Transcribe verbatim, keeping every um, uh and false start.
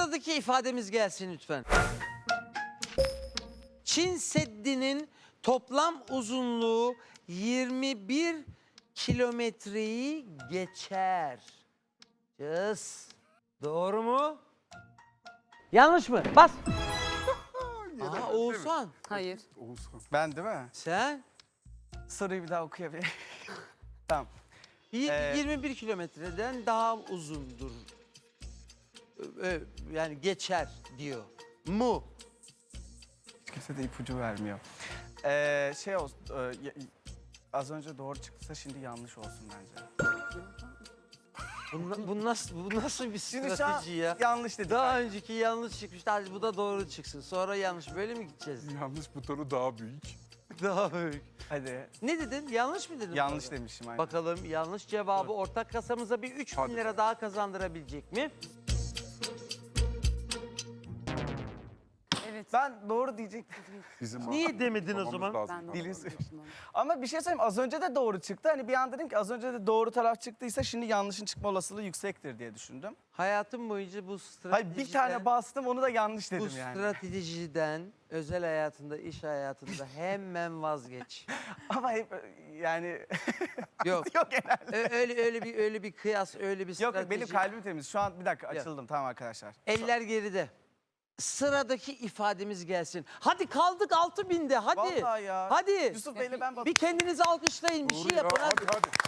Sıradaki ifademiz gelsin lütfen. Çin Seddi'nin toplam uzunluğu yirmi bir kilometreyi geçer. Cız. Doğru mu? Yanlış mı? Bas. Aha Oğuzhan. Hayır. Oğuzhan. Ben değil mi? Sen Soruyu bir daha okuyabilir. Tamam. y- Ee, yirmi bir kilometreden daha uzundur. Ö- ö- Yani geçer diyor. Mu. Hiç kimse de ipucu vermiyor. Ee, şey olsun, e, y- az önce doğru çıktıysa şimdi yanlış olsun bence. Bu, na- bu nasıl bu nasıl bir Şimdi şu an strateji ya? yanlış dedik. Daha önceki yanlış çıkmıştı. Hadi bu da doğru çıksın. Sonra yanlış. Böyle mi gideceğiz? Yanlış butonu daha büyük. Daha büyük. Hadi. Ne dedin? Yanlış mı dedin? Yanlış baba? demişim. Aynen. Bakalım yanlış cevabı ortak kasamıza bir üç bin Hadi. lira daha kazandırabilecek mi? Evet. Ben doğru diyecektim. Bizim Niye demedin o Yapmamız zaman? lazım. Ben de Dilin- onu düşündüm. Ama bir şey söyleyeyim, az önce de doğru çıktı. Hani bir an dedim ki az önce de doğru taraf çıktıysa şimdi yanlışın çıkma olasılığı yüksektir diye düşündüm. Hayatım boyunca bu stratejiden... Hayır bir tane bastım onu da yanlış Bu dedim yani. stratejiden özel hayatında, iş hayatında hemen vazgeç. Ama hep yani Yok. yok genelde. Ö- öyle öyle bir öyle bir kıyas, öyle bir Yok strateji. yok benim kalbim temiz. Şu an bir dakika Yok. açıldım tamam arkadaşlar. Eller geride. Sıradaki ifademiz gelsin. Hadi kaldık altı binde hadi. Vallahi ya. Hadi. Yusuf Bey'le ben Bir kendinizi alkışlayın, bir Doğru şey ya, yapın. hadi. hadi hadi.